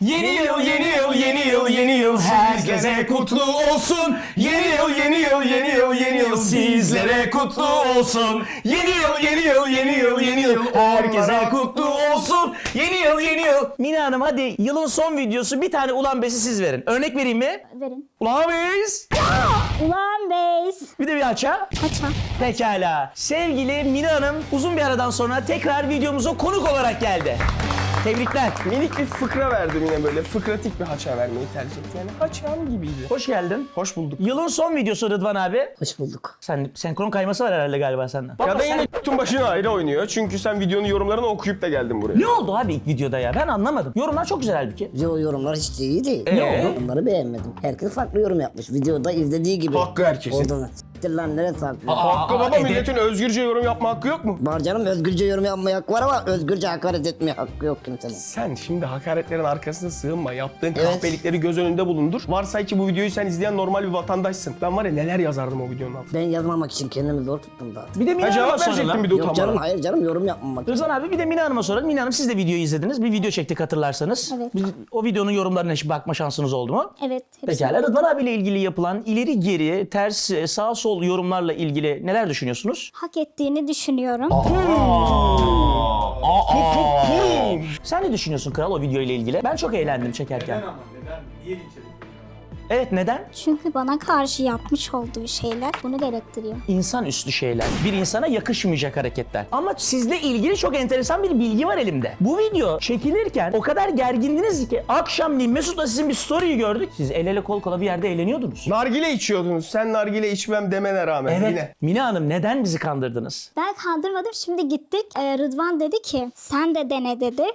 Yeni yıl, yeni yıl, yeni yıl, yeni yıl herkese kutlu olsun. Yeni yıl, yeni yıl, yeni yıl, yeni yıl sizlere kutlu olsun. Yeni yıl, yeni yıl, yeni yıl, yeni yıl herkese kutlu olsun. Yeni yıl, yeni yıl. Mine Hanım hadi yılın son videosu bir tane ulan besi siz verin. Örnek vereyim mi? Verin. Ulan bes. Ulan beys. Bir de bir aça. Kaça? Pekala. Sevgili Mine Hanım uzun bir aradan sonra tekrar videomuza konuk olarak geldi. Tebrikler. Minik bir fıkra verdim yine böyle. Fıkratik bir haça vermeyi tercih etti. Yani haçam gibiydi. Hoş geldin. Hoş bulduk. Yılın son videosu Rıdvan abi. Hoş bulduk. Sen senkron kayması var herhalde galiba senden. Ya da yine tüm başına ayrı oynuyor. Çünkü sen videonun yorumlarını okuyup da geldin buraya. Ne oldu abi ilk videoda ya? Ben anlamadım. Yorumlar çok güzel halbuki. Yo, yorumlar hiç de iyi değil. Ne oldu? Onları beğenmedim. Herkes farklı yorum yapmış. Videoda izlediği gibi. Hakkı herkesin. Oradan s**tir lan neresi haklı? Hakkı baba, edep- milletin özgürce yorum yapma hakkı yok mu? Var canım, özgürce yorum yapmaya hakkı var ama özgürce hakaret etmeye hakkı yok kimsenin. Sen şimdi hakaretlerin arkasına sığınma. Yaptığın Evet. kahpelikleri göz önünde bulundur. Varsay ki bu videoyu sen izleyen normal bir vatandaşsın. Ben var ya neler yazardım o videonun altına. Ben yazmamak için kendimi zor tuttum zaten. Bir de Mine Ha, Hanım'a cevap verecektim soralım. bir de Yok canım, utanmadan. hayır canım, yorum yapmamak için. Rıdvan abi bir de Mine Hanım'a soralım. Mine Hanım siz de videoyu izlediniz. Bir video çektik hatırlarsanız. Evet. O videonun yorumlarına hiç bakma şansınız oldu mu? Evet. hepsi. Pekala. Rıdvan abiyle ilgili yapılan ileri geri, ters, sağ sol yorumlarla ilgili neler düşünüyorsunuz? Hak ettiğini düşünüyorum. Sen ne düşünüyorsun kral o video ile ilgili? Ben çok eğlendim çekerken. Neden ama? Neden? Niye linç edildi? Evet neden? Çünkü bana karşı yapmış olduğu şeyler bunu gerektiriyor. İnsanüstü şeyler. Bir insana yakışmayacak hareketler. Ama sizle ilgili çok enteresan bir bilgi var elimde. Bu video çekilirken o kadar gergindiniz ki akşamleyin Mesut'la sizin bir story'yi gördük. Siz el ele kol kola bir yerde eğleniyordunuz. Nargile içiyordunuz. Sen nargile içmem demene rağmen Evet. yine. Mine Hanım neden bizi kandırdınız? Ben kandırmadım. Şimdi gittik. Rıdvan dedi ki sen de dene dedi.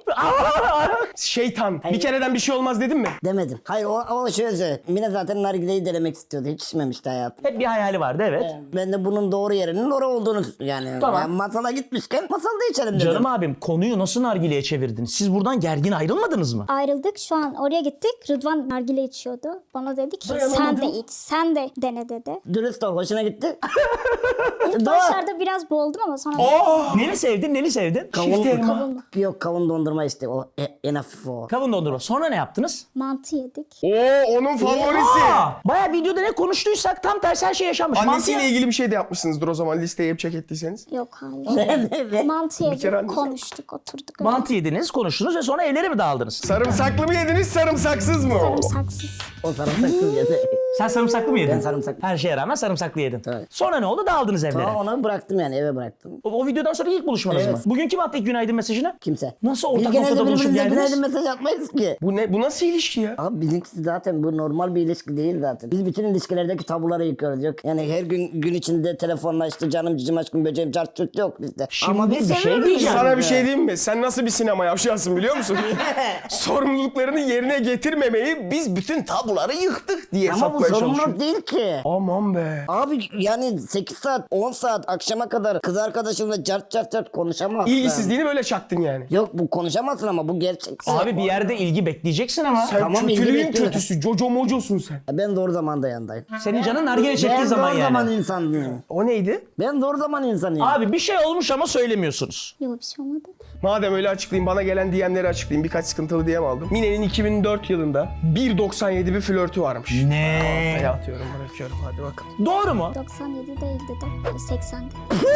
Şeytan. Bir kereden bir şey olmaz dedin mi? Demedim. Hayır, o şöyle. Mine zaten nargileyi denemek istiyordu. Hiç içmemişti hayatım. Hep bir hayali vardı evet. Ben de bunun doğru yerinin orası olduğunu yani. Tamam. Yani masala gitmişken masalda içelim dedim. Canım abim konuyu nasıl nargileye çevirdiniz? Siz buradan gergin ayrılmadınız mı? Ayrıldık. Şu an oraya gittik. Rıdvan nargile içiyordu. Bana dedi ki sen de iç. Sen de dene dedi. Dürüst ol, hoşuna gitti. İlk başlarda biraz boğuldum ama sonra Neli sevdin, neli sevdin? kavunlu. Yok, kavun dondurma işte o en hafif o. Kavun dondurma. Sonra ne yaptınız? Mantı yedik. Oo, onun favorisi. Baya videoda ne konuştuysak tam tersi her şey yaşanmış. Annesiyle Mantıya- ilgili bir şey de yapmışsınızdır o zaman listeye hep check ettiyseniz. Yok hayır. Mantı kere yedik. annesi- Konuştuk. Oturduk. öyle. Mantı yediniz, konuştunuz ve sonra evlere mi dağıldınız? Sarımsaklı mı yediniz, sarımsaksız mı? Sarımsaksız. O sarımsaksız yedi. Sen sarımsaklı mı yedin? Ben sarımsaklı. Her şeye rağmen sarımsaklı yedin. Evet. Sonra ne oldu? Dağıldınız evlere. Sonra onu bıraktım yani, eve bıraktım. O videodan sonra ilk buluşmanız Evet. mı? Bugün kim attı ilk günaydın mesajını? Kimse. Nasıl ortak Biz genelde noktada buluşup birbirimize geldiniz? günaydın mesaj atmayız ki. Bu ne? Bu nasıl ilişki ya? Abi bizimkisi zaten bu normal bir ilişki değil zaten. Biz bütün ilişkilerdeki tabuları yıkıyoruz. Yok. Yani her gün içinde telefonla işte canım cicim aşkım böceğim çart çurt yok bizde. Şimdi bir şey seviyoruz diyeceğim. yani. Sana bir şey diyeyim mi? Sen nasıl bir sinema yavşarsın biliyor musun? Sorumluluklarını yerine getirmemeyi biz bütün tabuları yıktık diye Ama bu satmaya çalışıyoruz. sorumluluk değil ki. Aman be. Abi yani 8 saat 10 saat akşama kadar kız arkadaşımla cart cart cart konuşamazsın. İlgisizliğini böyle çaktın yani. Yok, bu konuşamazsın ama bu gerçek. Abi bir yerde ilgi bekleyeceksin ama. Sen Tamam, ilgi kötülüğün bekliyorum. kötüsü. Jojo mocosun sen. Ben doğru zamanda yanındayım. Senin canın nargile çektiği Ben zaman doğru yani. zaman insanıyım. O neydi? Ben doğru zaman insanıyım. Abi bir şey olmuş ama söylemiyorsunuz. Yok bir şey olmadı. Madem öyle açıklayayım, bana gelen DM'leri açıklayayım. Birkaç sıkıntılı DM aldım. Mine'nin 2004 yılında 1.97 bir flörtü varmış. Ne? Ortaya atıyorum, bırakıyorum. Hadi bakalım. Doğru mu? 97 değildi de 80'di.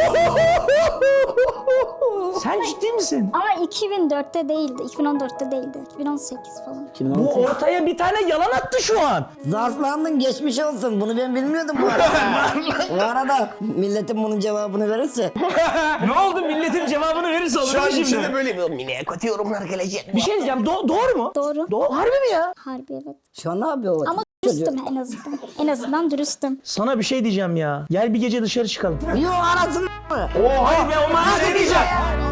Sen ciddi misin? Ama 2004'te değildi. 2014'te değildi. 2018 falan. Bu ortaya bir tane yalan attı şu an. Zarflandın, geçmiş olsun. Bunu ben bilmiyordum bu arada. Bu arada milletin bunun cevabını verirse. Ne oldu milletin cevabını verirse olur Şu mu an şimdi? içinde böyle bir Mine'ye kötü yorumlar gelecek. Bir şey diyeceğim. Doğru mu? Doğru. Harbi mi ya? Harbi evet. Şu an ne yapıyor o? Ama dürüstüm en azından. En azından dürüstüm. Sana bir şey diyeceğim ya. Gel bir gece dışarı çıkalım. Yok, arasın mı? Hayır be o mana ne diyeceğim?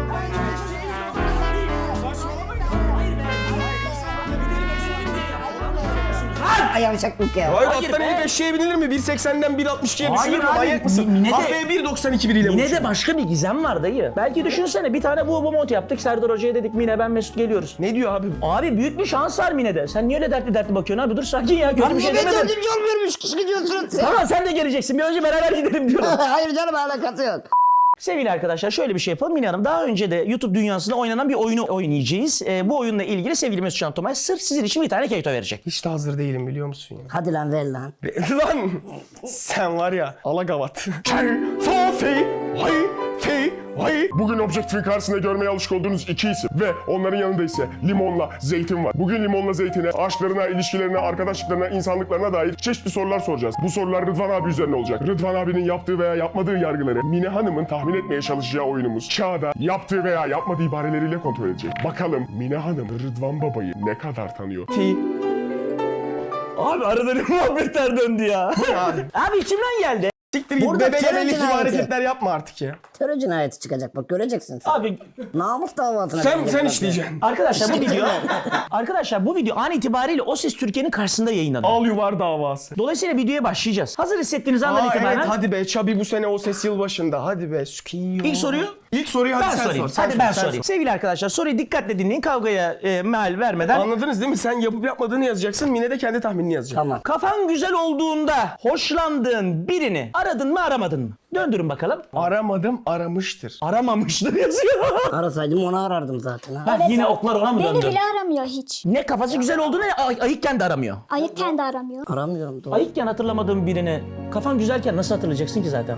Ay yavşaklık ya. Hayır, Hayır attan be. inip eşeğe binilir mi? 1.80'den 1.62'ye Hayır düşülür mü? abi, Manyak mısın? Mine de- Haftaya 1.92 biriyle Yine buluşuyor. de başka bir gizem var dayı. Belki düşünsene bir tane bu mod yaptık. Serdar Hoca'ya dedik Mine ben Mesut geliyoruz. Ne diyor abi? Abi büyük bir şans var Mine'de. Sen niye öyle dertli bakıyorsun abi? Dur sakin ya. Kötü Lan bir niye şey ben demedim. yol vermiş kişi gidiyorsun sen? Tamam sen de geleceksin. Bir önce beraber gidelim diyorum. Hayır canım, alakası yok. Sevgili arkadaşlar şöyle bir şey yapalım. Mine Hanım daha önce de YouTube dünyasında oynanan bir oyunu oynayacağız. Bu oyunla ilgili sevgili Mesut Can Tomay sırf sizin için bir tane keto verecek. Hiç de hazır değilim biliyor musun ya? Hadi lan ver lan. Lan sen var ya alagavat. Bugün objektifin karşısında görmeye alışık olduğunuz iki isim ve onların yanında ise limonla zeytin var. Bugün limonla zeytine aşklarına, ilişkilerine, arkadaşlıklarına, insanlıklarına dair çeşitli sorular soracağız. Bu sorular Rıdvan abi üzerine olacak. Rıdvan abinin yaptığı veya yapmadığı yargıları Mine Hanım'ın tahmin etmeye çalışacağı oyunumuz kağıda yaptığı veya yapmadığı ibareleriyle kontrol edecek. Bakalım Mine Hanım Rıdvan babayı ne kadar tanıyor? Abi arada ne muhabbetler döndü ya. Abi içimden geldi. Siktir git Burada bebe terör gebelik gibi cinayeti. hareketler yapma artık ya. Terör cinayeti çıkacak bak göreceksin sen. Abi Namus davasına. Sen girecek bak. işleyeceksin. arkadaşlar bu video an itibariyle O Ses Türkiye'nin karşısında yayınlanıyor. Al yuvar davası. Dolayısıyla videoya başlayacağız. Hazır hissettiğiniz andan itibaren Evet hadi be Çabi bu sene o ses yılbaşında hadi be sükiyo. ilk soruyu İlk soruyu hadi ben sen sorayım. sor. Hadi ben sorayım. Sevgili arkadaşlar soruyu dikkatle dinleyin. Kavgaya mal vermeden. Anladınız değil mi? Sen yapıp yapmadığını yazacaksın. Mine de kendi tahminini yazacak. Tamam. Kafan güzel olduğunda hoşlandığın birini aradın mı aramadın mı? Döndürün bakalım. Aramadım aramıştır. Aramamıştır yazıyor. Arasaydım onu arardım zaten ha. Bak yine oklar ona mı Beni döndü? bile aramıyor hiç. Ne kafası güzel olduğunu ne ayıkken de aramıyor. Ayıkken de aramıyor. Aramıyorum doğru. Ayıkken hatırlamadığın birini kafan güzelken nasıl hatırlayacaksın ki zaten?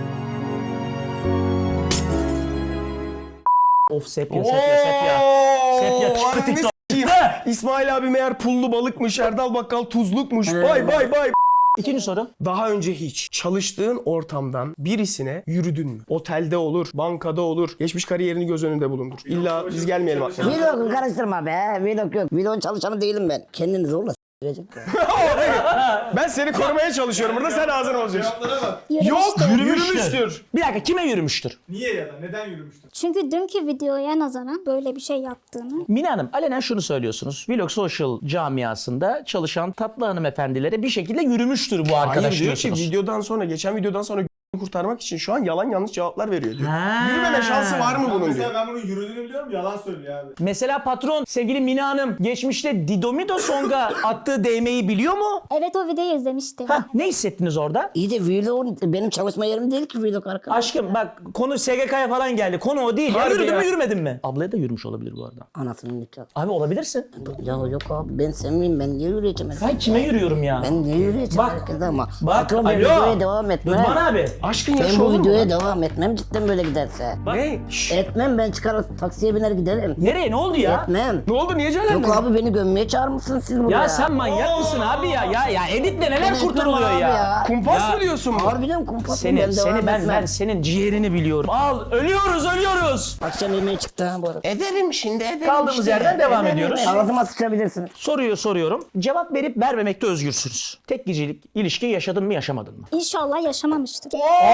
Of sepya. Sepya çıktı TikTok. İsmail abi meğer pullu balıkmış, Erdal Bakkal tuzlukmuş. Bay bay bay. İkinci soru. Daha önce hiç çalıştığın ortamdan birisine yürüdün mü? Otelde olur, bankada olur. Geçmiş kariyerini göz önünde bulundur. İlla biz gelmeyelim aklına. Vlog'u karıştırma be. Vlog yok. Vlog'un çalışanı değilim ben. Kendini zorla s***recek ya. Ben seni korumaya çalışıyorum burada sen ağzını bozuyorsun. Yürümüştü. Yürümüştür. Bir dakika kime yürümüştür? Niye ya da neden yürümüştür? Çünkü dünkü videoya nazaran böyle bir şey yaptığını. Mine Hanım alenen şunu söylüyorsunuz. Vlog Social camiasında çalışan tatlı hanımefendilere bir şekilde yürümüştür bu arkadaş Hayır diyor ki diyorsunuz. videodan sonra, geçen videodan sonra kurtarmak için şu an yalan yanlış cevaplar veriyor diyor. Ha. Yürümeme şansı var mı bunun Mesela diyor. ben bunun yürüdüğünü biliyorum, yalan söylüyor abi. Mesela patron sevgili Mine Hanım geçmişte Didomido Song'a attığı değmeyi biliyor mu? Evet o videoyu izlemiştim. Hah, ne hissettiniz orada? İyi de vlog benim çalışma yerim değil ki vlog arkadaş. Aşkım bak konu SGK'ya falan geldi. Konu o değil. Ya, Harbi yürüdün ya. mü yürümedin mi? Ablaya da yürümüş olabilir bu arada. Anasının nikahı. Abi olabilirsin. Ya yok abi ben sevmeyeyim ben niye yürüyeceğim? Ben kime yürüyorum ya? Ben niye yürüyeceğim Bak, herkese ama. Bak Patron ben alo. videoya devam etmem. Rıdvan abi. Aşkın Ben yaşı bu olur mu? videoya devam etmem cidden böyle giderse. Ne? Şşş. Etmem ben çıkar taksiye biner giderim. Nereye ne oldu ya? Etmem. Ne oldu niye celendin? Yok abi beni gömmeye çağırmışsınız siz buraya. Ya sen manyak mısın abi ya? Ya editle neler Ben kurtarılıyor etmem abi ya? Kumpas mı diyorsun? Harbiden kumpas Seni devam ben etmem. senin ciğerini biliyorum. Al ölüyoruz. Akşam yemeğe çıktı ha bu arada. Ederim şimdi ederim. Kaldığımız işte. yerden devam ediyoruz. Ağzıma sıçabilirsiniz. Soruyu soruyorum. Cevap verip vermemekte özgürsünüz. Tek gecelik ilişki yaşadın mı yaşamadın mı? İnşallah yaşamamıştır.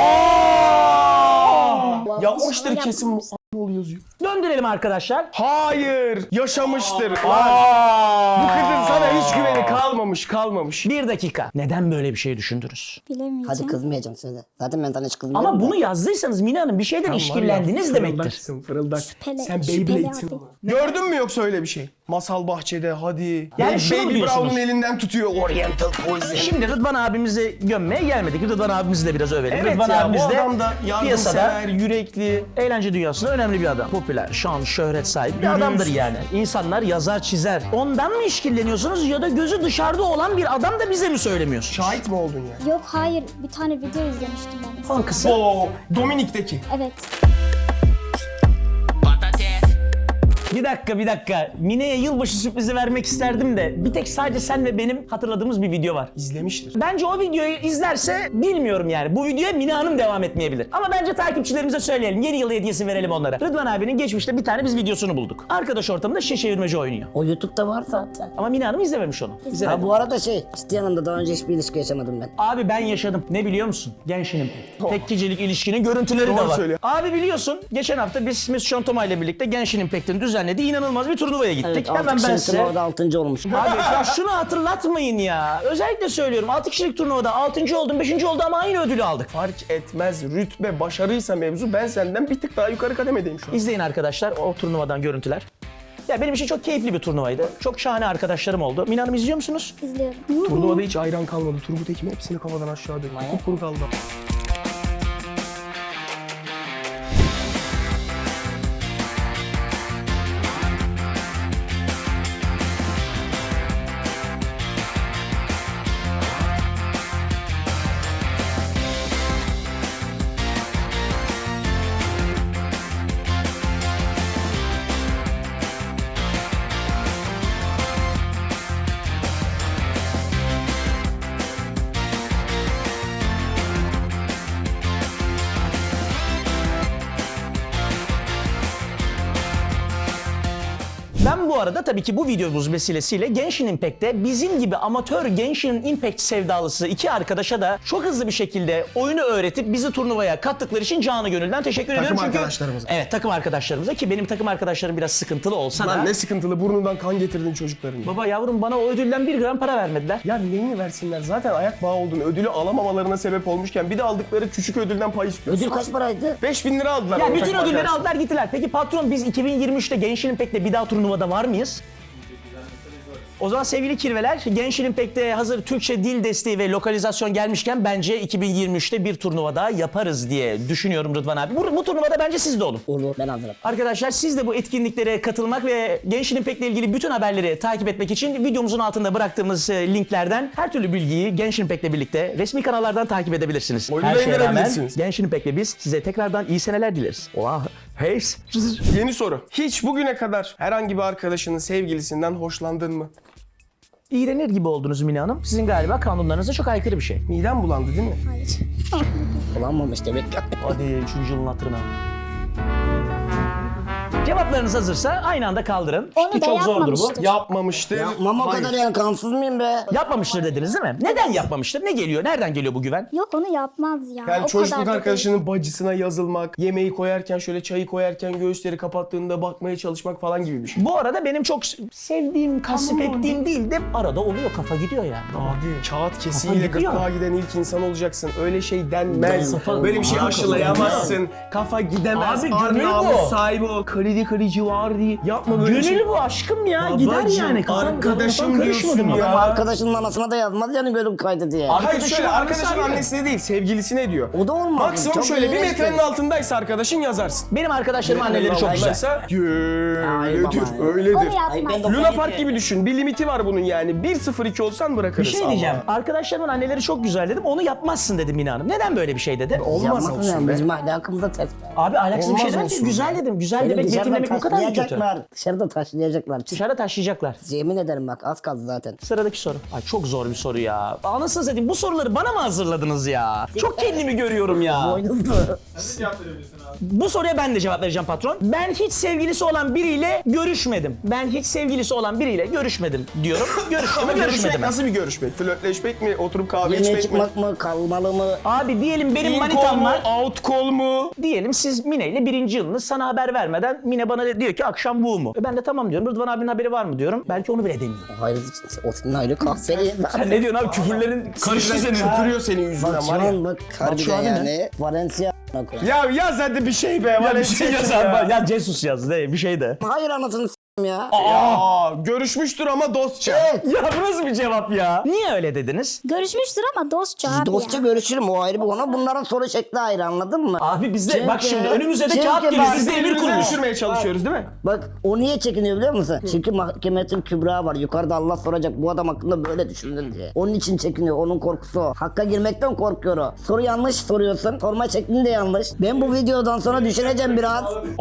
Yapmıştır İnşallah kesin. yapmamıştır. Ne yazıyor? Döndürelim arkadaşlar. Hayır. Yaşamıştır. Lan. Bu kızın sana hiç güveni kalmamış. Bir dakika. Neden böyle bir şey düşündünüz? Bilemeyeceğim. Hadi kızmayacağım söyle. Zaten ben sana hiç kızmıyorum. Ama da. bunu yazdıysanız Mine Hanım bir şeyden işkillendiniz demektir. Fırıldaksın fırıldak. Şüpheli- Sen şüpheli Beyblade'sin. abi. Gördün mü yoksa öyle bir şey? Masal bahçede hadi. Yani şunu Baby diyorsunuz. Brown'un elinden tutuyor Oriental Poison. Şimdi Rıdvan abimizi gömmeye gelmedik. Rıdvan abimizi de biraz övelim. Evet Rıdvan ya abimiz bu de adam da piyasada yardımsever, yürekli. eğlence dünyasında önemli bir adam. Popüler, şan, şöhret sahibi bir adamdır yani. İnsanlar yazar, çizer. Ondan mı işkilleniyorsunuz ya da gözü dışarıda olan bir adam da bize mi söylemiyorsunuz? Şahit mi oldun yani? Yok hayır bir tane video izlemiştim ben. Son kısım. Oo, Dominik'teki. Evet. Bir dakika. Mine'ye yılbaşı sürprizi vermek isterdim de bir tek sadece sen ve benim hatırladığımız bir video var. İzlemiştir. Bence o videoyu izlerse bilmiyorum yani. Bu videoya Mine Hanım devam etmeyebilir. Ama bence takipçilerimize söyleyelim. Yeni yıl hediyesi verelim onlara. Rıdvan abinin geçmişte bir tane biz videosunu bulduk. Arkadaş ortamında şişe çevirmece oynuyor. O YouTube'da var zaten. Ama Mine Hanım izlememiş onu. Ha İzlemedi. bu arada isteyen anda daha önce hiçbir ilişki yaşamadım ben. Abi ben yaşadım. Ne biliyor musun? Genshin Impact. Tek gecelik ilişkinin görüntüleri de Doğru var. söylüyor. Abi biliyorsun geçen hafta biz Mesut Can Tomay ile birlikte Genshin Impact'in düzenlediği inanılmaz bir turnuvaya gittik. Evet, Hemen 6 ben kişinin size... orada 6. olmuş. Abi ya şunu hatırlatmayın ya. Özellikle söylüyorum 6 kişilik turnuvada 6. oldum 5. oldu ama aynı ödülü aldık. Fark etmez. Rütbe, başarıysa mevzu ben senden bir tık daha yukarı kademedeyim şu an. İzleyin arkadaşlar o turnuvadan görüntüler. Ya benim için çok keyifli bir turnuvaydı. Çok şahane arkadaşlarım oldu. Mine Hanım izliyor musunuz? İzliyorum. Turnuvada hiç ayran kalmadı. Turgut Ekim hepsini kafadan aşağı döktü. Kupkuru kaldı. Bu arada tabii ki bu videomuz vesilesiyle Genshin Impact'te bizim gibi amatör Genshin Impact sevdalısı iki arkadaşa da çok hızlı bir şekilde oyunu öğretip bizi turnuvaya kattıkları için canı gönülden teşekkür ediyorum. Çünkü arkadaşlarımıza. Evet, takım arkadaşlarımıza, ki benim takım arkadaşlarım biraz sıkıntılı olsa da. Lan ne sıkıntılı, burnundan kan getirdin çocukların. Baba yavrum, bana o ödülden 1 gram para vermediler. Ya neyini versinler? Zaten ayak bağı oldun. Ödülü alamamalarına sebep olmuşken bir de aldıkları küçük ödülden pay istiyorsun. Ödül kaç paraydı? 5000 lira aldılar. Ya o bütün takım ödülleri arkadaşlar. aldılar gittiler. Peki patron, biz 2023'te Genshin Impact'te bir daha turnuvada var mıyız? O zaman sevgili kirveler, Genshin Impact'te hazır Türkçe dil desteği ve lokalizasyon gelmişken bence 2023'te bir turnuva daha yaparız diye düşünüyorum Rıdvan abi. Bu turnuvada bence siz de olun. Olur, ben hazırım. Arkadaşlar, siz de bu etkinliklere katılmak ve Genshin Impact'le ilgili bütün haberleri takip etmek için videomuzun altında bıraktığımız linklerden her türlü bilgiyi Genshin Impact'le birlikte resmi kanallardan takip edebilirsiniz. Oyunu Her da şeye rağmen indirebilirsiniz. Genshin Impact'le biz size tekrardan iyi seneler dileriz. Oha, hey. Yeni soru. Hiç bugüne kadar herhangi bir arkadaşının sevgilisinden hoşlandın mı? İğrenir gibi oldunuz Mine Hanım. Sizin galiba kanunlarınıza çok aykırı bir şey. Midem bulandı değil mi? Hayır. Kullanmamış demek ki. Hadi şu yılın hatırına. Cevaplarınız hazırsa aynı anda kaldırın. Onu Ki da çok zordur bu. yapmamıştır. Yapmamıştır. Yapmam o Hayır. kadar yani, kansız mıyım be? Yapmamıştır dediniz değil mi? Neden yapmamıştır? Ne geliyor? Nereden geliyor bu güven? Yok, onu yapmaz ya. Yani o çocukluk kadar da arkadaşının bacısına yazılmak, yemeği koyarken şöyle çayı koyarken göğüsleri kapattığında bakmaya çalışmak falan gibi bir şey. Bu arada benim çok sevdiğim, kasıp ettiğim değil de arada oluyor, kafa gidiyor yani. Abi kağıt kesiğiyle gidiyor. gırtlağa giden ilk insan olacaksın. Öyle şey denmez. Kafa- Böyle bir şey Kafa aşılayamazsın. Kafa gidemez. Abi, Ar gönül namus bu. sahibi ol. Kalidi kalici var diye. Yapma böyle şey. Gönül bu aşkım ya. Gider Babacım, yani. Kafam arkadaşım karışmadı diyorsun mı? ya. Ama arkadaşının anasına da yazmaz yani gönlüm kaydı diye. Abi- Hayır şöyle, Arkadaşın arkadaşın annesi annesine değil, sevgilisine diyor. O da olmaz. Maksimum Çok şöyle bir iğrenç metrenin yani. altındaysa arkadaşın yazarsın. Benim arkadaşlarım anneleri çok güzel. Altındaysa öyledir, baba ya. öyledir. Onu Ay, yapmaz. ben de- Luna Park gibi düşün. Bir limiti var bunun yani. 1-0-2 olsan bırakırız. Bir şey diyeceğim. Arkadaşlarımın anneleri çok güzel dedim. Onu yapmazsın dedim Mine Hanım. Neden böyle bir şey dedi? Olmaz Yapmasın olsun yani, be. bizim ahlakımıza ters. Abi ahlaksız bir Olmaz şey demedim ki. olsun Güzel dedim. Güzel Beni demek, dışarıda yetimlemek bu kadar mı kötü? taşlayacaklar. Dışarıda taşlayacaklar. Dışarıda taşıyacaklar. Yemin ederim bak, az kaldı zaten. Sıradaki soru. Ay çok zor bir soru ya. Anasını satayım, bu soruları bana mı hazırladınız ya? Çok kendimi görüyorum ya. Boynuzlu. Sen de cevap verebilirsin abi. Bu soruya ben de cevap vereceğim patron. Ben hiç sevgilisi olan biriyle görüşmedim. Ben hiç sevgilisi olan biriyle görüşmedim diyorum. Görüştüm mü Ama görüşmek görüşmedim mi? nasıl bir görüşmek? Flörtleşmek mi? Oturup kahve Yemeğe içmek mi? çıkmak mı? Kalmalı mı? Abi diyelim benim In call manitam mu? var. Out call mu? Diyelim siz Mine ile 1. yılınız, sana haber vermeden Mine bana diyor ki akşam bu mu? Ben de tamam diyorum. Rıdvan abinin haberi var mı diyorum. Belki onu bile demiyorum. Hayır, o senin ayrı kahveli. Sen ne diyorsun abi? Küfürlerin karıştı senin. Tükürüyor senin yüzünden Bak şu var ya. an bak harbiden şu an ne? yani. Valencia koyayım. Ya yaz hadi bir şey be. Ya bir şey yaz abi. Ya Jesus yaz de bir şey de. Hayır anasını s**tim ya. Aa, görüşmüştür ama dostça. Evet. Ya bu nasıl bir cevap ya? Niye öyle dediniz? Görüşmüştür ama dostça abi Dostça ya. görüşürüm, o ayrı bir konu. Bunların soru şekli ayrı, anladın mı? Abi bizde Çünkü- bak şimdi önümüze de çünkü kağıt geliyor. bak- Biz de emir Birbirimizi kuruyoruz. düşürmeye çalışıyoruz değil mi? Bak o niye çekiniyor biliyor musun? Çünkü mahkemetin kübra var. Yukarıda Allah soracak, bu adam hakkında böyle düşündün diye. Onun için çekiniyor. Onun korkusu o. Hakka girmekten korkuyor o. Soru yanlış soruyorsun. Sorma şeklin de yanlış. Ben bu videodan sonra düşüneceğim biraz.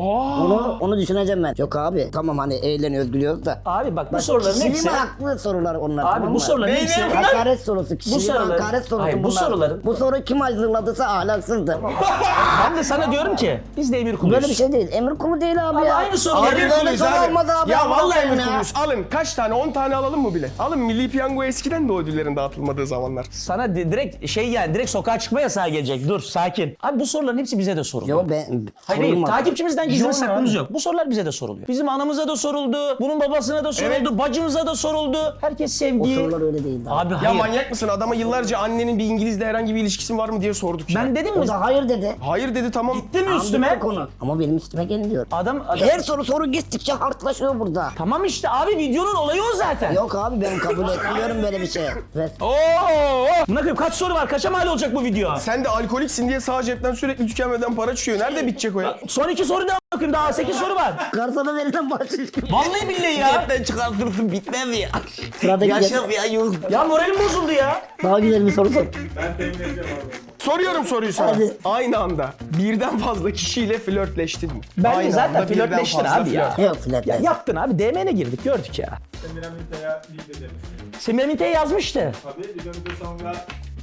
Onu düşüneceğim ben. Yok abi tamam, hani eğleniyoruz gülüyoruz da. Abi bak bu soruların Kişiliğime hepsi... haklı sorular onlar. Abi tamam bu mı? soruların Beyler, hepsi... bunlar- Hakaret sorusu. Kişiliğime soruların- hakaret sorusu Hayır, bu bunlar. soruların- Bu soru kim hazırladıysa ahlaksızdır. Ben de sana diyorum ki biz de emir kuluyuz. Böyle bir şey değil. Emir kulu değil abi Abi ya. aynı soru. Abi Emir böyle kuluyuz soru abi. olmaz abi. Ya Allah vallahi aşkına emir ya. kuluyuz. Alın kaç tane? 10 tane alalım mı bile? Alın, Milli Piyango eskiden de o ödüllerin dağıtılmadığı zamanlar. Sana direkt şey yani direkt sokağa çıkma yasağı gelecek. Dur sakin. Abi bu soruların hepsi bize de soruluyor. Yo ben Hayır, hayır, sorulmaz. takipçimizden gizli Yok saklımız abi. yok. Bu sorular bize de soruluyor. Bizim anamıza da soruldu, bunun babasına da soruldu, Evet. bacımıza da soruldu. Herkes O sevgi. sorular öyle değil. Abi Ya hayır. manyak mısın? Adama yıllarca annenin bir İngilizle herhangi bir ilişkisi var mı diye sorduk ya. Ben dedim mi? O da hayır dedi. Hayır dedi tamam. Değil mi üstüme? Anladık konu. Ama benim üstüme gelmiyor. Adam... Her soru gittikçe hartlaşıyor burada. Tamam işte abi videonun olayı o zaten. Yok abi ben kabul etmiyorum böyle bir şey. Ver. Oo! Buna koyayım kaç soru var? Kaça mal olacak bu video? Sen de alkoliksin diye sağ cepten sürekli tükenmeden para çıkıyor. Nerede bitecek o ya? Son 2 soru daha bakayım. Daha 8 soru var. Garsona verilen bahşiş. Vallahi billahi ya. çıkartırsın bitmez ya. Sıradaki ya Yunus. Ya moralim bozuldu ya. Daha güzel bir soru sor. Ben temin edeceğim abi. Soruyorum soruyu sana. Hadi. Aynı anda birden fazla kişiyle flörtleştin mi? Bence Aynı zaten anda birden flörtleştin fazla abi ya. flört. Yok flört. Ya yaptın abi. DM'ne girdik gördük ya. Semiramita'ya link edelim. Semiramit'e yazmıştı. Tabii videomuzda sonra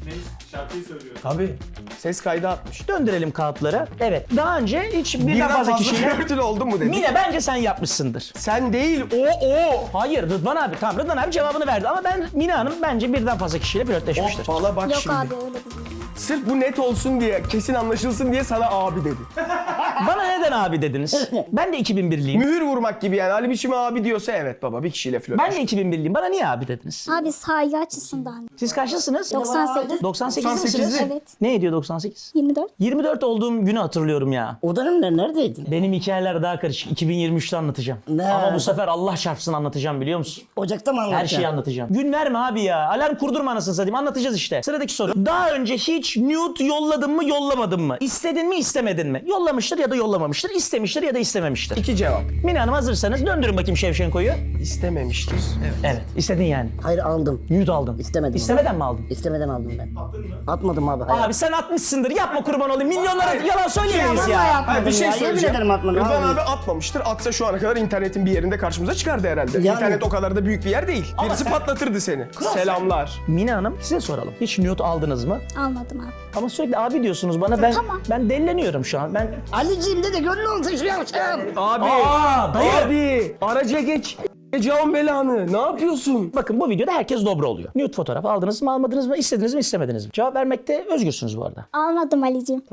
Ne? Şarkıyı söylüyor. Tabii. Ses kaydı atmış. Döndürelim kağıtları. Evet. Daha önce hiç birden Birden fazla fazla kişiyle... flörtün oldu mu dedi. Mine bence sen yapmışsındır. Sen değil o. Hayır Rıdvan abi. Tamam Rıdvan abi cevabını verdi ama Mine Hanım bence birden fazla kişiyle flörtleşmiştir. Hoppala bak Yok şimdi. abi öyle değil. Sırf bu net olsun diye, kesin anlaşılsın diye sana abi dedi. Bana neden abi dediniz? Ben de 2001'liyim. Mühür vurmak gibi yani. Ali biçimi abi diyorsa evet baba bir kişiyle flört. Ben de 2001'liyim. Bana niye abi dediniz? Abi saygı açısından. Siz kaçlısınız? 98. 98 misiniz? 98'li. Evet. Ne ediyor 98? 24. 24 olduğum günü hatırlıyorum ya. O dönemler neredeydin? Benim hikayeler daha karışık. 2023'te anlatacağım. Ne? Ama bu sefer Allah çarpsın anlatacağım biliyor musun? Ocakta mı Her anlatacaksın? şeyi anlatacağım. Gün verme abi ya. Alarm kurdurma anasını satayım. Anlatacağız işte. Sıradaki soru. Daha önce hiç nude yolladın mı yollamadın mı? İstedin mi istemedin mi? Yollamıştır ya da yollamamıştır. İstemiştir ya da istememiştir. İki cevap. Mine Hanım hazırsanız döndürün bakayım Şevşenko'yu. İstememiştir. Evet. Evet. İstedin yani. Hayır aldım. Nude aldın. İstemedim. İstemeden mi aldın? İstemeden aldım ben. Atmadım abi. Hayır. Abi sen atmışsındır. Yapma kurban olayım. Milyonlara yalan söyleyemeyiz Vallahi ya. yapmadım Hayır bir şey ya. Yemin söyleyeceğim. ederim atmadım. Rıdvan Vallahi. abi atmamıştır. Atsa şu ana kadar internetin bir yerinde karşımıza çıkardı herhalde. Yani- İnternet o kadar da büyük bir yer değil. Birisi patlatırdı seni. Selamlar. Mine Hanım size soralım. Hiç nude aldınız mı? Almadım abi. Ama sürekli abi diyorsunuz bana. Tamam. Ben delleniyorum şu an. Ali'ciğim de gönlü olsun şu yavşağım. Abi. Aa, dayı. Abi. Araca geç. Can belanı. Ne yapıyorsun? Bakın bu videoda herkes dobra oluyor. Nude fotoğraf aldınız mı almadınız mı? İstediniz mi istemediniz mi? Cevap vermekte özgürsünüz bu arada. Almadım Ali'ciğim.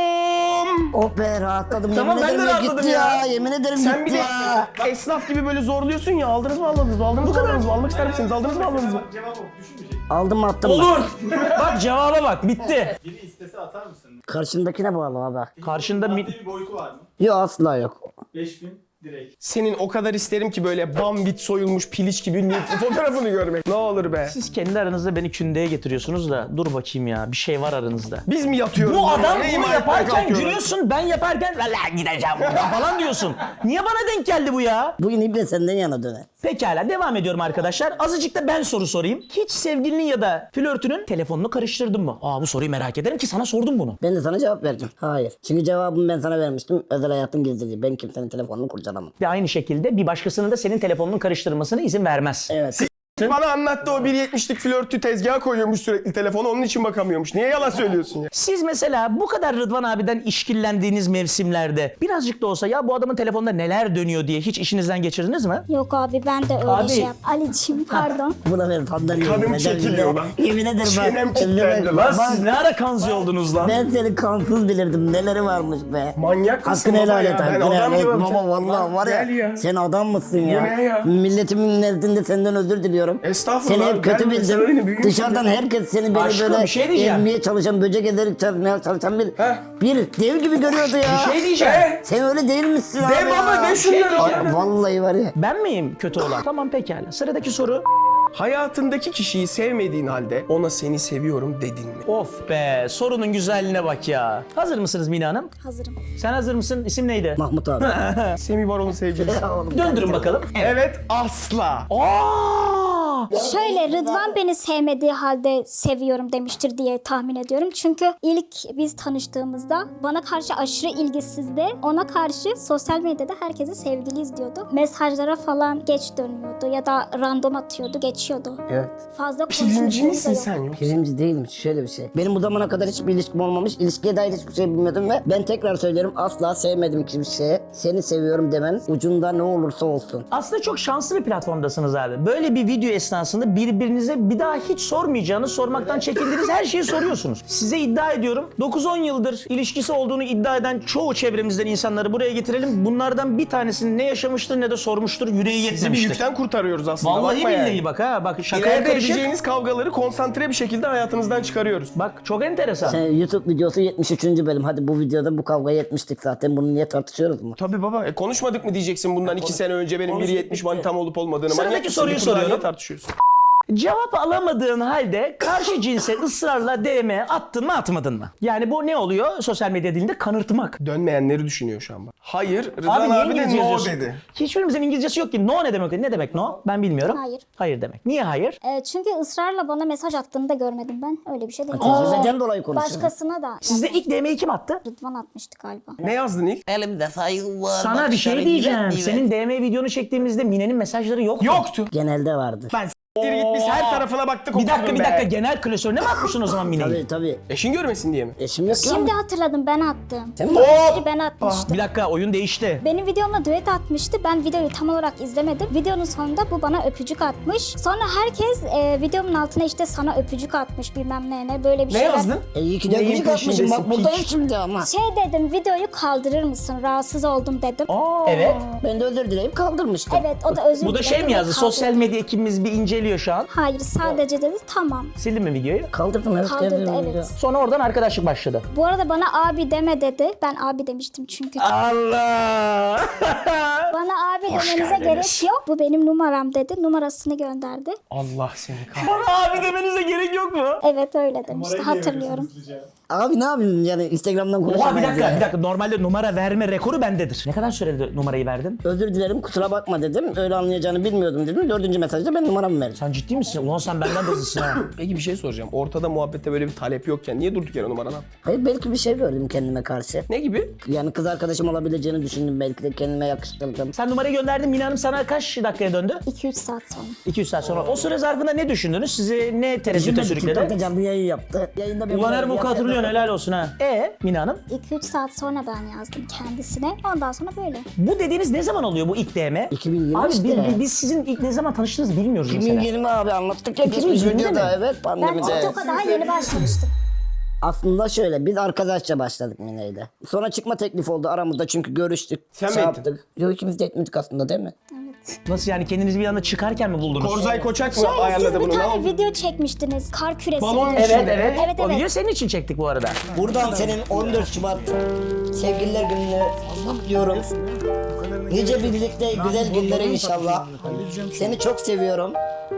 Bum. Oh be rahatladım. Tamam, Yemin ben de ederim rahatladım gitti ya. ya. Yemin ederim Sen bir gitti de ya. esnaf gibi böyle zorluyorsun ya. Aldınız mı almadınız mı? Aldınız mı almadınız mı? Almak ister misiniz? Aldınız mı almadınız mı? Cevap o. Düşünmeyecek. Aldım mı attım mı? Olur. Bak cevaba bak bitti. Biri istese atar mısın? Karşındakine bağlı abi. Karşında Maddi bir boyutu var mı? Yok asla yok. 5000 direkt. Senin o kadar isterim ki böyle bambit soyulmuş piliç gibi fotoğrafını görmek. Ne olur be. siz kendi aranızda beni kündeye getiriyorsunuz da dur bakayım ya bir şey var aranızda. Biz mi yatıyoruz? Bu adam Neyi bunu manyak yaparken kalkıyorlar? gülüyorsun, ben yaparken valla gideceğim buradan falan diyorsun. Niye bana denk geldi bu ya? Bugün İbre senden yana döner. Pekala devam ediyorum arkadaşlar. Azıcık da ben soru sorayım. Hiç sevgilinin ya da flörtünün telefonunu karıştırdın mı? Bu soruyu merak ederim ki sana sordum bunu. Ben de sana cevap vereceğim. Hayır. Çünkü cevabımı ben sana vermiştim. Özel hayatın gizliliği. Ben kimsenin telefonunu kurcalamam. Ve aynı şekilde bir başkasının da senin telefonunun karıştırmasına izin vermez. Evet. Bana anlattı o 1.70'lik flörtü tezgaha koyuyormuş sürekli telefonu onun için bakamıyormuş. Niye yalan söylüyorsun ya? Siz mesela bu kadar Rıdvan abiden işkillendiğiniz mevsimlerde birazcık da olsa ya bu adamın telefonda neler dönüyor diye hiç işinizden geçirdiniz mi? Yok abi ben de öyle Abi. şey yap. Ali'ciğim pardon. Buna ben fandan Kanım çekiliyor lan. Yemin ederim Çenem bak. kilitlendi lan. Bak, Siz ne ara kanzi oldunuz lan? ben seni kansız bilirdim. Neleri varmış be. Manyak mısın Hakkını baba helal ya? et. Ben Hakkını adam helal et. gibi Baba yapacağım. vallahi var Gel ya. ya. Sen adam mısın ya? ne ya? Milletimin nezdinde senden özür diliyorum. Estağfurullah. Seni hep kötü Ben sen öyle bildim. büyüğüm Dışarıdan herkes seni böyle Aşkım, böyle bir şey diyeceğim. ezmeye çalışan, böcek ederek çalışan bir dev gibi görüyordu ya. Bir şey diyeceğim. Sen öyle değil misin abi De baba ya? de şunları. Ay, vallahi var ya. Ben miyim kötü olan? Tamam pekala. Sıradaki soru. Hayatındaki kişiyi sevmediğin halde ona seni seviyorum dedin mi? Of be sorunun güzelliğine bak ya. Hazır mısınız Mine Hanım? Hazırım. Sen hazır mısın? İsim neydi? Mahmut abi. Semih var onun sevgilisi. Döndürün bakalım. Evet asla. Aa! Şöyle Rıdvan beni sevmediği halde seviyorum demiştir diye tahmin ediyorum. Çünkü ilk biz tanıştığımızda bana karşı aşırı ilgisizdi. Ona karşı sosyal medyada herkese sevgiliyiz diyordu. Mesajlara falan geç dönüyordu ya da random atıyordu, geçiyordu. Evet. Fazla Pirinci konuşmuşluğumuz da misin yok. sen yoksa? Pirinci değilmiş. Şöyle bir şey. Benim bu zamana kadar hiçbir ilişkim olmamış. İlişkiye dair hiçbir şey bilmiyordum ve ben tekrar söylüyorum asla sevmedim kimseye. Seni seviyorum demen ucunda ne olursa olsun. Aslında çok şanslı bir platformdasınız abi. Böyle bir video esnasında birbirinize bir daha hiç sormayacağınız, sormaktan çekindiğiniz her şeyi soruyorsunuz. Size iddia ediyorum 9-10 yıldır ilişkisi olduğunu iddia eden çoğu çevremizden insanları buraya getirelim. Bunlardan bir tanesinin ne yaşamıştır ne de sormuştur, yüreği Sizi bir yetmemiştir. yükten kurtarıyoruz aslında. Vallahi bakma billahi yani. bak ha. Bak şakaya İleride karışık. edeceğiniz kavgaları konsantre bir şekilde hayatınızdan çıkarıyoruz. Bak çok enteresan. Sen YouTube videosu 73. bölüm. Hadi bu videoda bu kavgayı etmiştik zaten. Bunu niye tartışıyoruz mu? Tabii baba. Konuşmadık mı diyeceksin bundan 2 sene önce benim 1.70 manitam olup olmadığını. Sıradaki Manyak mısın? soruyu Bir kurdan soruyorum. niye tartışıyorsun? Cevap alamadığın halde karşı cinse ısrarla DM attın mı atmadın mı? Yani bu ne oluyor? Sosyal medya dilinde kanırtmak. Dönmeyenleri düşünüyor şu an bak. Hayır. Rıdvan Abi niye abi de İngilizce no yazıyorsun? dedi. Hiçbirimizin İngilizcesi yok ki. No ne demek? Ne demek no? Ben bilmiyorum. Hayır. Hayır demek. Niye hayır? Çünkü ısrarla bana mesaj attığını da görmedim ben. Öyle bir şey değil. Tecrübeden dolayı konuşuyorum. Başkasına da. Sizde ilk DM'yi kim attı? Rıdvan atmıştı galiba. Ne yazdın ilk? Elimde saygı var. Sana bir şey diyeceğim. Senin DM videonu çektiğimizde Mine'nin mesajları yoktu. Yoktu. Genelde vardır. Ben Git biz her tarafına baktık. Bir dakika okudun bir be. dakika genel klasörüne mi atmışsın o zaman Mine'yi? Tabii tabii. Eşin görmesin diye mi? Eşim yok Şimdi ya. hatırladım, ben attım. Sen mi? Mesajı ben atmıştım. Bir dakika oyun değişti. Benim videomla düet atmıştı. Ben videoyu tam olarak izlemedim. Videonun sonunda bu bana öpücük atmış. Sonra herkes videomun altına işte sana öpücük atmış bilmem ne böyle bir Ne şeyler. yazdın? İyi ki de Neyin öpücük atmışım. peşindesin, Bak buradayım piç? şimdi ama. Şey dedim, videoyu kaldırır mısın? Rahatsız oldum dedim. Evet. Ben de özür dileyip kaldırmıştım. Evet, o da özür Bu da diledi şey mi ve yazdı? kaldırdı. Sosyal medya ekibimiz bir inceliyor şu an. Hayır, sadece dedi tamam. Sildin mi videoyu? Kaldırdım evet. Kaldırdı, geldim evet. ya. Sonra oradan arkadaşlık başladı. Bu arada bana abi deme dedi. Ben abi demiştim çünkü. Allah! Bana abi demenize gerek yok. Bu benim numaram dedi. Numarasını gönderdi. Allah seni kahretsin. Bana abi demenize gerek yok mu? Evet, öyle demişti. Numarayı Hatırlıyorum. niye veriyorsunuz hızlıca? Abi ne yapayım yani Instagram'dan Oha bir konuşamayız dakika ya. bir dakika. Normalde numara verme rekoru bendedir. Ne kadar sürede numarayı verdin? Özür dilerim kusura bakma dedim. Öyle anlayacağını bilmiyordum dedim. 4. mesajda ben numaramı verdim. Sen ciddi misin? Ulan sen benden de hızlısın ha. Peki bir şey soracağım. Ortada muhabbette böyle bir talep yokken niye durduk yere numaranı attın? Hayır belki bir şey gördüm kendime karşı. Ne gibi? Yani kız arkadaşım olabileceğini düşündüm. Belki de kendime yakıştırdım. Sen numarayı gönderdin. Mine Hanım sana kaç dakikaya döndü? 2-3 saat sonra. 200 saat sonra. O süre zarfında ne düşündünüz? Sizi ne tereddüte sürükledi? TikTok'ta canlı yayın yaptı. Yayında Ulan her boku hatırlıyorsun, helal olsun ha. Mine Hanım? 2-3 saat sonra ben yazdım kendisine. Ondan sonra böyle. Bu dediğiniz ne zaman oluyor bu ilk DM? 2020 Abi işte. biz sizin ilk ne zaman tanıştığınızı bilmiyoruz mesela. 2020 abi anlattık ya. 2020 geçmiş mi? videoda evet Ben pandemide. TikTok'a daha yeni başlamıştım. Aslında şöyle biz arkadaşça başladık Mine'yle. Sonra çıkma teklifi oldu aramızda çünkü görüştük. Sen mi şey ettin? yaptık. Yok ikimiz de etmedik aslında değil mi? Evet. Nasıl yani kendinizi bir anda çıkarken mi buldunuz? Korzay Koçak mı Şöyle siz ayarladı bir bunu? Ne tane oldu? video çekmiştiniz. Kar küresi. Balon videosu. içinde. Evet. Evet, O evet. video senin için çektik bu arada. Buradan senin 14 Şubat sevgililer gününü kutluyorum. Nice birlikte güzel günlere inşallah. Seni çok seviyorum.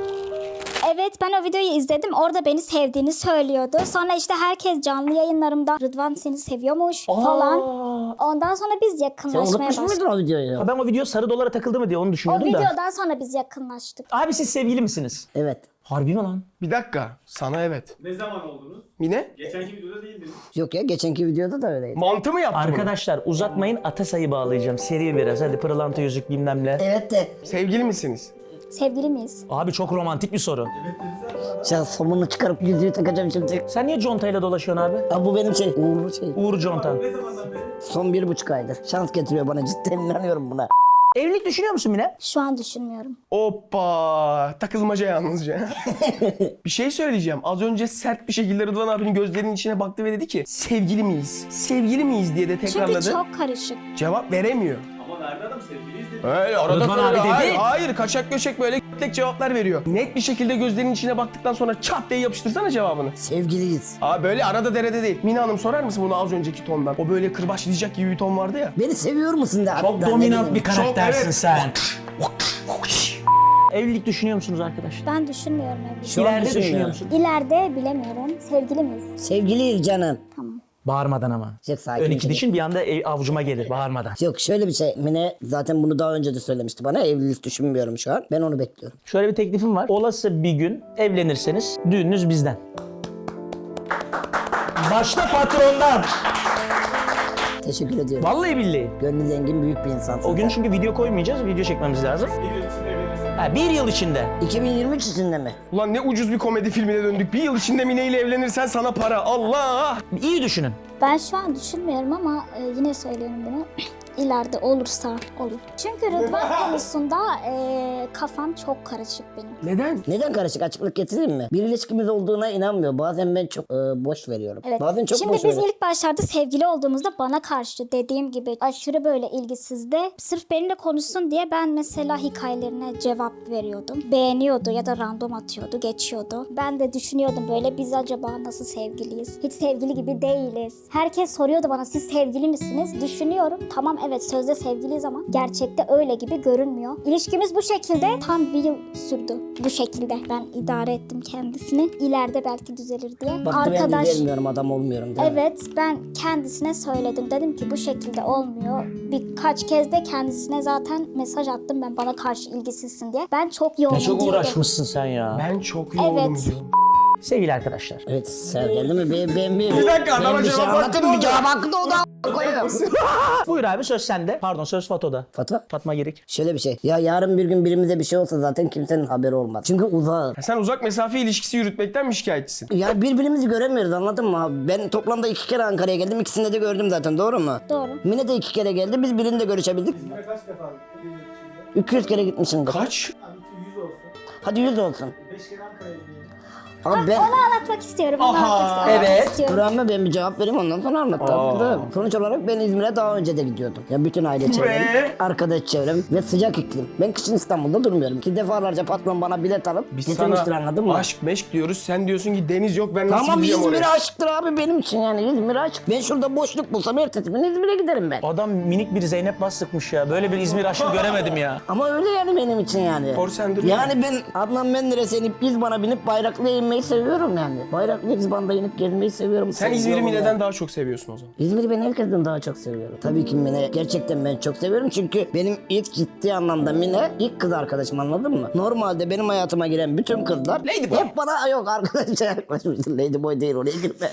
Evet, ben o videoyu izledim. Orada beni sevdiğini söylüyordu. Sonra işte herkes canlı yayınlarımda Rıdvan seni seviyormuş falan. Ondan sonra biz Sen yakınlaşmaya unutmuş başladık. muydun o videoyu? Ha, ben o video sarı dolara takıldı mı diye onu O düşünüyordum da. videodan sonra biz yakınlaştık. Abi siz sevgili misiniz? Evet. Harbi mi lan? Bir dakika. Sana evet. Ne zaman oldunuz? Mine? Geçenki videoda değildiniz. Yok ya geçenki videoda da öyleydi. Mantı mı yaptı bunu? Arkadaşlar uzatmayın, Atasay'ı bağlayacağım. Seri biraz, hadi pırlanta yüzük bilmem ne. Evet de. Sevgili misiniz? Sevgili miyiz? Abi çok romantik bir soru. Sen somunu çıkarıp yüzüğü takacağım şimdi. Sen niye contayla dolaşıyorsun abi? Abi bu benim şey. Uğurlu şey. Uğur Contan. Ne zamandan beri? Son 1,5 aydır. Şans getiriyor bana cidden inanıyorum buna. Evlilik düşünüyor musun Mine? Şu an düşünmüyorum. Hoppa. Takılmaca yalnızca. Bir şey söyleyeceğim. Az önce sert bir şekilde Rıdvan abinin gözlerinin içine baktı ve dedi ki sevgili miyiz? Sevgili miyiz diye de tekrarladı. Çünkü çok karışık. Cevap veremiyor. Ama Merve Hanım sevgiliyiz dedi. Öyle arada Rıdvan böyle- abi dedi. Hayır kaçak göçek böyle tek cevaplar veriyor. Net bir şekilde gözlerinin içine baktıktan sonra çat diye yapıştırsana cevabını. Sevgiliyiz. Abi böyle arada derede değil. Mine Hanım sorar mısın bunu az önceki tondan? O böyle kırbaçlayacak gibi bir ton vardı ya. Beni seviyor musun de? Çok dominant bir Çok, karaktersin evet. sen. Evlilik düşünüyor musunuz arkadaşlar? Ben düşünmüyorum evlilik. Şu an İleride düşünmüyorum. düşünüyor musun? İleride bilemiyorum. Sevgili miyiz? Sevgiliyiz canım. Bağırmadan ama. Çok sakin. Ön iki dişin bir anda avucuma gelir bağırmadan. Yok şöyle bir şey. Mine zaten bunu daha önce de söylemişti bana. Evlilik düşünmüyorum şu an. Ben onu bekliyorum. Şöyle bir teklifim var. Olası bir gün evlenirseniz düğününüz bizden. Başta patrondan. Teşekkür ediyorum. Vallahi billahi. Gönlü zengin büyük bir insansın. O gün sen. çünkü video koymayacağız. Video çekmemiz lazım. Bir yıl içinde verirsin. Ha, bir yıl içinde. 2023 içinde mi? Ulan ne ucuz bir komedi filmine döndük. Bir yıl içinde Mine ile evlenirsen sana para. Allah! İyi düşünün. Ben şu an düşünmüyorum ama yine söylüyorum bunu. İleride olursa olur. Çünkü Rıdvan konusunda kafam çok karışık benim. Neden? Neden karışık? Açıklık getireyim mi? Bir ilişkimiz olduğuna inanmıyor. Bazen ben çok boş veriyorum. Evet. Bazen çok Şimdi boş biz veriyorum. ilk başlarda sevgili olduğumuzda bana karşı dediğim gibi aşırı böyle ilgisizdi. Sırf benimle konuşsun diye ben mesela hikayelerine cevap veriyordum. Beğeniyordu ya da random atıyordu, geçiyordu. Ben de düşünüyordum böyle biz acaba nasıl sevgiliyiz? Hiç sevgili gibi değiliz. Herkes soruyordu bana siz sevgili misiniz? Düşünüyorum. Tamam evet sözde sevgiliyiz ama gerçekte öyle gibi görünmüyor. İlişkimiz bu şekilde tam bir yıl sürdü. Bu şekilde ben idare ettim kendisini. İleride belki düzelir diye. Baktı ben de gelmiyorum adam olmuyorum değil mi? Evet, ben kendisine söyledim. Dedim ki bu şekilde olmuyor. Birkaç kez de kendisine zaten mesaj attım ben bana karşı ilgisizsin diye. Ben çok yoğunum Çok diyordu. uğraşmışsın sen ya. Ben çok yoğunum Evet. diyorum. Sevgili arkadaşlar. Evet Ser geldi mi? Ben Bir dakika, adama ben bir şey cevap hakkı anlatayım. Bir doğdu. cevap hakkı doğdu. Koyuyorum. Buyur abi, söz sende. Pardon, söz Fato'da. Fatma Girik. Şöyle bir şey. Ya yarın bir gün birimize bir şey olsa zaten kimsenin haberi olmaz. Çünkü uzağız. Sen uzak mesafe ilişkisi yürütmekten mi şikayetçisin? Ya birbirimizi göremiyoruz, anladın mı abi? Ben toplamda 2 kere Ankara'ya geldim. İkisinde de gördüm zaten, doğru mu? Doğru. Mine de 2 kere geldi. Biz birinde görüşebildik. Kaç defa gidiyor içinde? 200 kere gitmişimdir. Kaç? Abi 100 olsun. Hadi 100 olsun. 5 kere Ankara'ya gidiyor. Ama ben... Onu anlatmak istiyorum. Onu anlatmak evet. istiyorum. Dur ama ben bir cevap vereyim, ondan sonra anlat. Sonuç olarak ben İzmir'e daha önce de gidiyordum. Ya bütün aile çevrem, arkadaş çevrem ve sıcak iklim. Ben kışın İstanbul'da durmuyorum. Ki defalarca patron bana bilet alıp Biz getirmiştir, sana anladın mı? aşk meşk diyoruz. Sen diyorsun ki deniz yok, ben nasıl Tamam, gideceğim İzmir'e oraya? aşktır abi benim için, yani İzmir'e aşk. Ben şurada boşluk bulsam ertesi gün İzmir'e giderim ben. Adam minik bir Zeynep Bastıkmış ya. Böyle bir İzmir aşkı göremedim ya. Ama öyle yani benim için yani. Korsendir Yani ben Adnan Menderes'e inip İzban'a binip Bayraklı'ya inmeyi seviyorum yani. Bayraklı İzban'da inip gezmeyi seviyorum. Sen İzmir'i Seviyorum Mine'den yani. daha çok seviyorsun o zaman. İzmir'i ben herkesten daha çok seviyorum. Tabii ki Mine. Gerçekten ben çok seviyorum çünkü benim ilk ciddi anlamda Mine ilk kız arkadaşım, anladın mı? Normalde benim hayatıma giren bütün kızlar hep bana yok arkadaşça yaklaşmıştır. Ladyboy değil, oraya girme.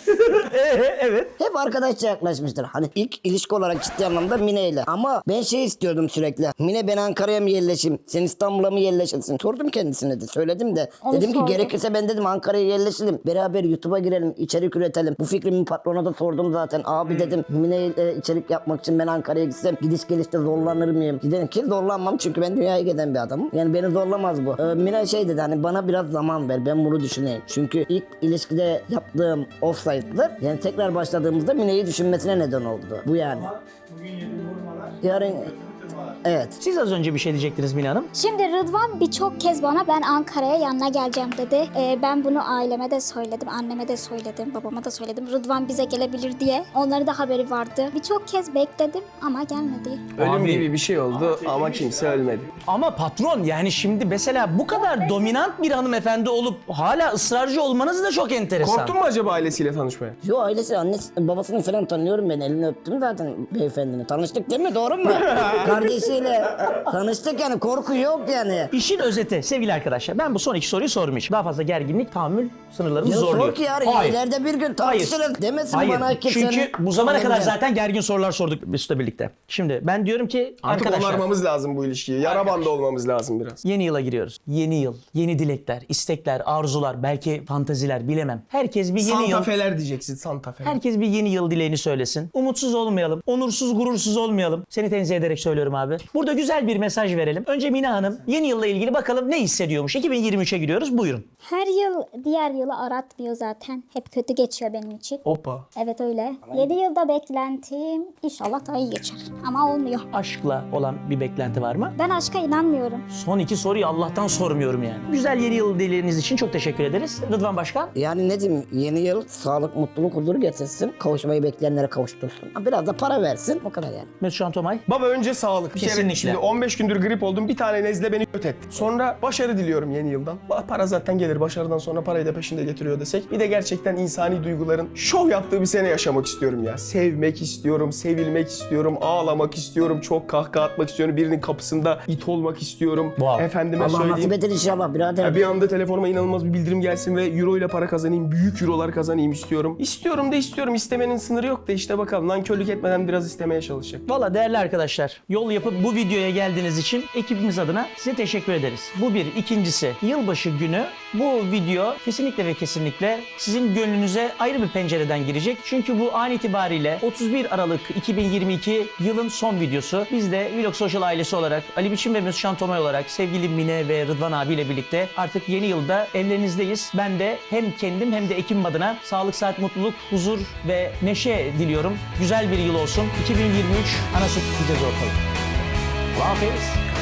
Evet. Hep arkadaşça yaklaşmıştır. Hani ilk ilişki olarak ciddi anlamda Mine ile. Ama ben şey istiyordum sürekli. Mine, ben Ankara'ya mı yerleşeyim? Sen İstanbul'a mı yerleşirsin? Sordum kendisine de. Söyledim de. Onu dedim ki sordum. gerekirse ben dedim Ankara'ya yerleşelim. Beraber YouTube'a girelim. İçerik üretelim. Bu fikrimi patrona da sordum zaten. Abi dedim Mine ile içerik yapmak için ben Ankara'ya gitsem gidiş gelişte zorlanır mıyım? Gidelim ki zorlanmam çünkü ben dünyaya giden bir adamım. Yani beni zorlamaz bu. Mine şey dedi, hani bana biraz zaman ver, ben bunu düşüneyim. Çünkü ilk ilişkide yaptığım offside'lar yani tekrar başladığımızda Mine'yi düşünmesine neden oldu. Bu yani. Bugün yediğim vurmalar. Yarın evet. Siz az önce bir şey diyecektiniz Mine Hanım. Şimdi Rıdvan birçok kez bana ben Ankara'ya yanına geleceğim dedi. Ben bunu aileme de söyledim, anneme de söyledim, babama da söyledim. Rıdvan bize gelebilir diye. Onların da haberi vardı. Birçok kez bekledim ama gelmedi. Ölüm Abi. gibi bir şey oldu ama kimse ölmedi. Ama patron, yani şimdi mesela bu kadar dominant bir hanımefendi olup hala ısrarcı olmanız da çok enteresan. Korktun mu acaba ailesiyle tanışmaya? Yo, ailesi, annesi, babasını falan tanıyorum ben. Elini öptüm zaten beyefendinin. Tanıştık değil mi? Doğru mu? Kardeşiyle tanıştık yani, korku yok yani. İşin özeti sevgili arkadaşlar, ben bu son iki soruyu sormayacağım. Daha fazla gerginlik, tahammül sınırlarımız Ya zorluyor. sor ki yarın Hayır. ileride bir gün tartışırız demesin Hayır. bana ki Çünkü senin- bu zamana kadar Aynen. zaten gergin sorular sorduk Mesut'la birlikte. Şimdi ben diyorum ki Artık arkadaşlar, onarmamız lazım bu ilişkiyi. Yara bandı olmamız lazım biraz. yeni yıla giriyoruz. Yeni yıl, yeni dilekler, istekler, arzular, belki fantaziler, bilemem. Herkes bir yeni yıl... Santafeler diyeceksin, Santafeler. Herkes bir yeni yıl dileğini söylesin. Umutsuz olmayalım, onursuz, gurursuz olmayalım. Seni tenzih ederek söylüyorum abi. Burada güzel bir mesaj verelim. Önce Mine Hanım yeni yılla ilgili bakalım ne hissediyormuş. 2023'e giriyoruz, buyurun. Her yıl diğer yılı aratmıyor zaten. Hep kötü geçiyor benim için. Hoppa. Evet öyle. Yeni yılda beklentim inşallah daha iyi geçer. Ama olmuyor. Aşkla olan bir beklenti var mı? Ben aşka inanmıyorum. Son iki soruyu Allah'tan sormuyorum yani. Güzel yeni yıl dileğiniz için çok teşekkür ederiz. Rıdvan Başkan. Yani ne diyeyim, yeni yıl sağlık, mutluluk, huzur getirsin. Kavuşmayı bekleyenlere kavuştursun. Biraz da para versin. O kadar yani. Mesut Can Tomay. Baba önce sağlık. Bir kere Kesinlikle. şimdi 15 gündür grip oldum. Bir tane nezle beni kötü etti. Sonra başarı diliyorum yeni yıldan. Para zaten gelir. Başarıdan sonra parayı da peşinde getiriyor desek. Bir de gerçekten insani duyguların şov yaptığı bir sene yaşamak istiyorum ya. Sevmek istiyorum, sevilmek istiyorum, ağlamak istiyorum, çok kahkaha atmak istiyorum. Birinin kapısında it olmak istiyorum. Wow. Efendime Allah söyleyeyim. nasip eder inşallah birader. Ya bir anda telefonuma inanılmaz bir bildirim gelsin ve euro ile para kazanayım, büyük eurolar kazanayım istiyorum. İstiyorum da istiyorum. İstemenin sınırı yok da işte bakalım. Nankörlük etmeden biraz istemeye çalışacak. Valla değerli arkadaşlar, yol yapıp bu videoya geldiğiniz için ekibimiz adına size teşekkür ederiz. Bu bir. İkincisi, yılbaşı günü bu video kesinlikle ve kesinlikle sizin gönlünüze ayrı bir pencereden girecek. Çünkü bu an itibariyle 31 Aralık 2022 yılın son videosu. Biz de Vlog Social ailesi olarak, Ali Biçim ve Mesut Can Tomay olarak sevgili Mine ve Rıdvan abiyle birlikte artık yeni yılda evlerinizdeyiz. Ben de hem kendim hem de ekibim adına sağlık, saat, mutluluk, huzur ve neşe diliyorum. Güzel bir yıl olsun. 2023 ana süt gideceğiz ortalık. Allah hafiz.